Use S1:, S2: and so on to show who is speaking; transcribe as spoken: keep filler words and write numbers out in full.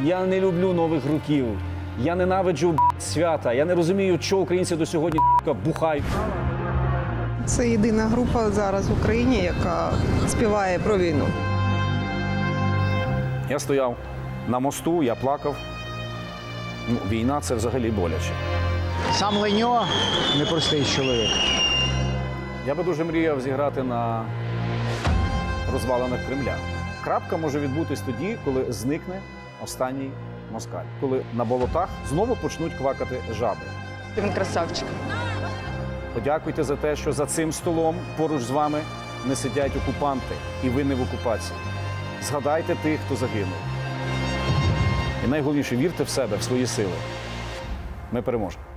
S1: Я не люблю нових років. Я ненавиджу б**, свята. Я не розумію, чого українці до сьогодні б**, бухають.
S2: Це єдина група зараз в Україні, яка співає про війну.
S1: Я стояв на мосту, я плакав. Ну, війна – це взагалі боляче.
S3: Сам Леньо – непростий чоловік.
S1: Я би дуже мріяв зіграти на розвалинах Кремля. Крапка може відбутись тоді, коли зникне останній москаль. Коли на болотах знову почнуть квакати жаби.
S4: Він красавчик.
S1: Подякуйте за те, що за цим столом поруч з вами не сидять окупанти, і ви не в окупації. Згадайте тих, хто загинув. І найголовніше, вірте в себе, в свої сили. Ми переможемо.